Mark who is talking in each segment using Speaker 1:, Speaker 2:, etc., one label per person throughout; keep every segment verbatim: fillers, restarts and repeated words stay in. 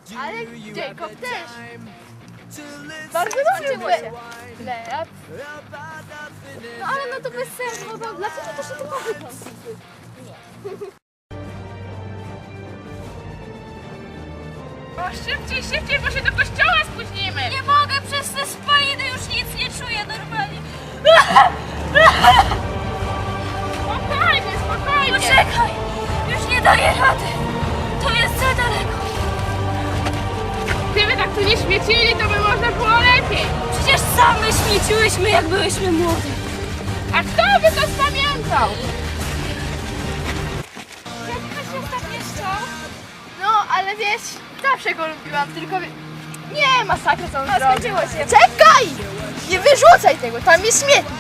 Speaker 1: Ale Jacob też. Bardzo dobrze było się. Lep. No ale no to bez sensu, no to dlaczego to się tylko wygląda?
Speaker 2: O, szybciej, szybciej, bo się do kościoła spóźnimy!
Speaker 3: Nie mogę, przez te spaliny już nic nie czuję normalnie.
Speaker 2: Spokojnie, spokojnie!
Speaker 3: Poczekaj, już nie daję rady. To jest za daleko.
Speaker 2: Gdyby tak tu nie śmiecili, to by można było lepiej!
Speaker 3: Przecież same śmieciłyśmy, jak byłyśmy młode.
Speaker 2: A kto by to spamiętał?
Speaker 1: Jak się ostatnio chciał? No, ale wiesz, zawsze go lubiłam, tylko... wie- Nie, masakra co on zrobił. Skończyło się. Czekaj! Nie wyrzucaj tego, tam jest śmietnik.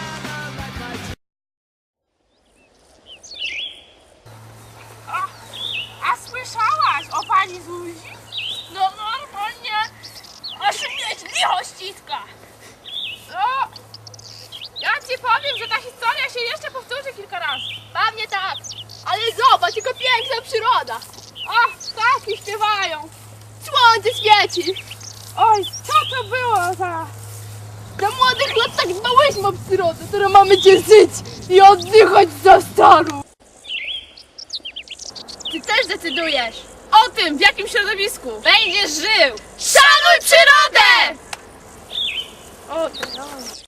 Speaker 2: A, a słyszałaś o pani Zuzi? No normalnie, aż mnie licho ściska. No, ja ci powiem, że ta historia się jeszcze powtórzy kilka razy.
Speaker 1: Pewnie tak, ale zobacz, tylko piękna przyroda.
Speaker 2: O, ptaki śpiewają.
Speaker 1: Słońce świeci.
Speaker 2: Oj, co to było za...
Speaker 1: Za młodych lat tak dbałyśmy o przyrodę, teraz mamy cieszyć i oddychać za starą. Ty też decydujesz.
Speaker 2: O tym, w jakim środowisku będziesz żył.
Speaker 1: Szanuj przyrodę!
Speaker 2: O, to no.